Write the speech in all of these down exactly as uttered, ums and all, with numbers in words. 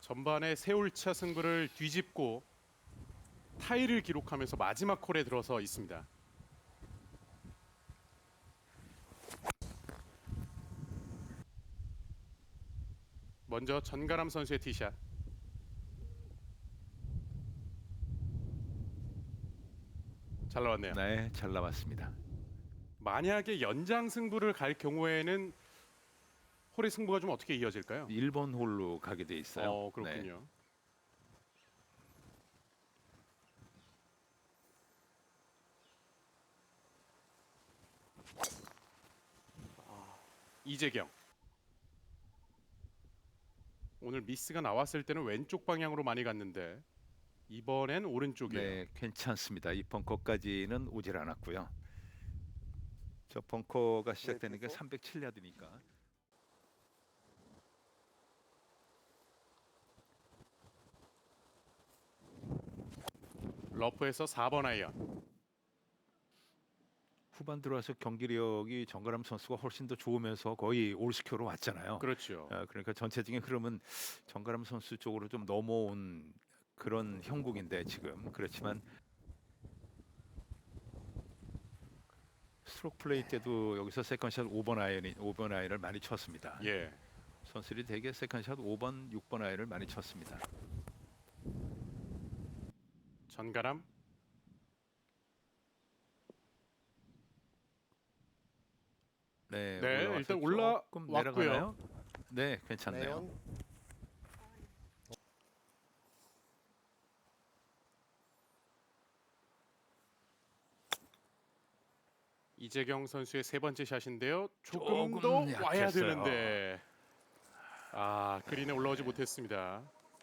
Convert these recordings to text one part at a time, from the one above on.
전반에 세올차 승부를 뒤집고 타이를 기록하면서 마지막 콜에 들어서 있습니다. 먼저 전가람 선수의 티샷. 잘 나왔네요. 네, 잘 나왔습니다. 만약에 연장 승부를 갈 경우에는 홀의 승부가 좀 어떻게 이어질까요? 일 번 홀로 가게 돼 있어요. 어, 그렇군요. 네. 이재경. 오늘 미스가 나왔을 때는 왼쪽 방향으로 많이 갔는데 이번엔 오른쪽이에요. 네, 괜찮습니다. 이 벙커까지는 오질 않았고요. 저 벙커가 시작되는 게 삼백칠 야드니까. 러프에서 사 번 아이언. 후반 들어와서 경기력이 정가람 선수가 훨씬 더 좋으면서 거의 올스코어로 왔잖아요. 그렇죠. 아, 그러니까 전체적인 흐름은 정가람 선수 쪽으로 좀 넘어온 그런 형국인데 지금 그렇지만 스트로크 플레이 때도 여기서 세컨샷 오 번 아이언이 오 번 아이언을 많이 쳤습니다. 예. 선수들이 대개 세컨샷 오 번, 육 번 아이언을 많이 쳤습니다. 전가람. 네, 네, 올라와서 일단 조금 올라왔고요. 내려가나요? 네, 괜찮네요. 네온. 이재경 선수의 세 번째 샷인데요. 조금, 조금 더 와야 약했어요. 되는데 아, 그린에 올라오지 못했습니다.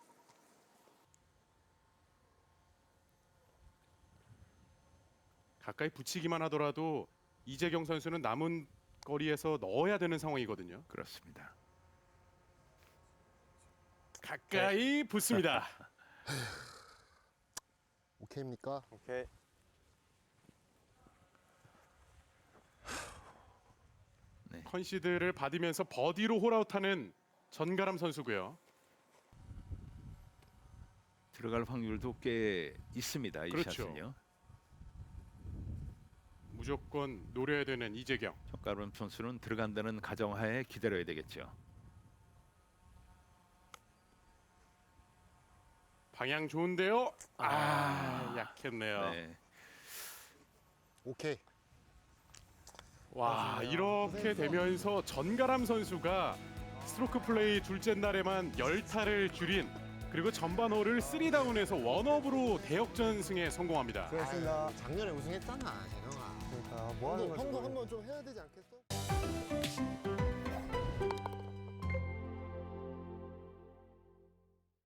가까이 붙이기만 하더라도 이재경 선수는 남은 거리에서 넣어야 되는 상황이거든요. 그렇습니다. 가까이 붙습니다. 오케이입니까? 오케이. 네. 컨시드를 받으면서 버디로 홀아웃하는 전가람 선수고요. 들어갈 확률도 꽤 있습니다. 이 그렇죠. 샷은요. 무조건 노려야 되는 이재경. 정가람 선수는 들어간다는 가정하에 기다려야 되겠죠. 방향 좋은데요. 아, 약했네요. 네. 오케이. 와, 맞아요. 이렇게 되면서 전가람 선수가 스트로크 플레이 둘째 날에만 십 타를 줄인, 그리고 전반 홀을 삼 다운에서 원업으로 대역전승에 성공합니다. 수고했습니다. 작년에 우승했잖아, 재영아. 그러니까 뭐 하는 형도 거지? 형도 한번 좀 해야 되지 않겠어?